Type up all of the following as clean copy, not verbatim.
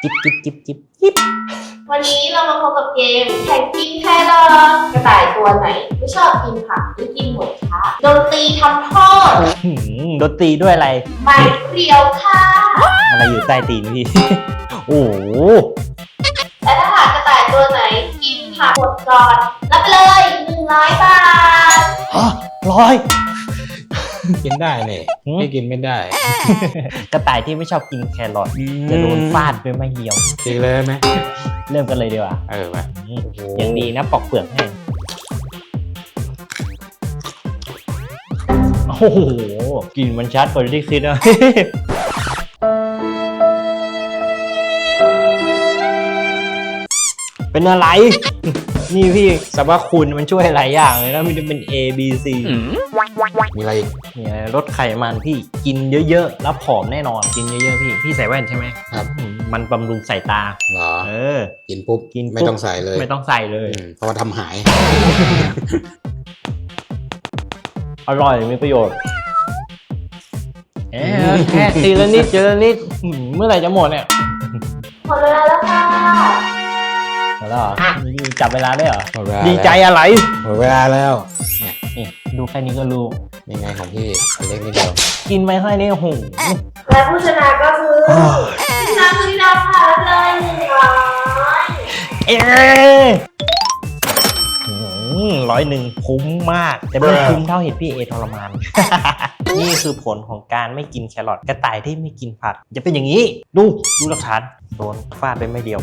จิ๊บจิ๊บจิ๊บจิ๊บจิ๊บวันนี้เรามาพบกับเกมแข่งกินแครอทกระต่ายตัวไหนไม่ชอบกินผักหรือกินหมดคะดนตรีทำโทษดนตรีด้วยอะไรไม้เรียวค่ะอะไรอยู่ใต้ตีนพี่ โอ้โหและถ้าหากกระต่ายตัวไหนกินผักหมดก่อนรับไปเลย100 บาทฮะร้อยกินได้เนี่ยไม่กินไม่ได้กระต่ายที่ไม่ชอบกินแครอทจะโดนฟาดด้วยไม้เหี่ยวจริงเลยไหมเริ่มกันเลยดีกว่าไปยังดีนะปอกเปลือกให้โอ้โหกลิ่นมันชัดกว่าที่คิดนะ เป็นอะไร นี่พี่สรรพคุณมันช่วยหลายอย่างเลยนะมันจะเป็น A B C มีอะไรอีกเนี่ยลดไขมันพี่กินเยอะๆแล้วผอมแน่นอนกินเยอะๆพี่ใส่แว่นใช่ไหมครับมันบำรุงสายตาเหรอเออกินปุ๊บกินปุ๊บไม่ต้องใส่เลยไม่ต้องใส่เลยเพราะว่าทำหายอร่อยมีประโยชน์แค่ทีละนิดทีละนิดเมื่อไหร่จะหมดเนี่ยหมดเวลาแล้วค่ะหมดแล้วเหรอจับเวลาได้เหรอหมดเวลาดีใจอะไรหมดเวลาแล้วเนี่ยนี่ดูแค่นี้ก็รู้ยังไงของพี่อันเล็กนิดเดียวกินไปแค่นี้โอ้โหและผู้ชนะก็คือพี่น้ำพี่ดาวค่ะรับเลย100 เอ๊101คุ้มมากแต่ไม่คุ้มเท่าเห็ดพี่เอทรมาน นี่คือผลของการไม่กินแครอทกระต่ายที่ไม่กินผักจะเป็นอย่างนี้ดูหลักฐานโดนฟาดไปไม่เดียว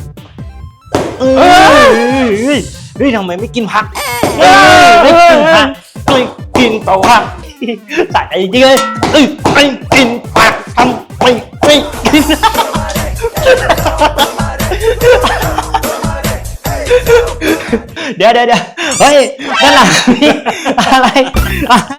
เฮ้ยทำไมไม่กินผักไม่กินผักไม่กินตัวผักใส่จริงเลยไม่กินผักทำไมไม่กินเดี๋ยวเฮ้ยนั่นแหละอะไร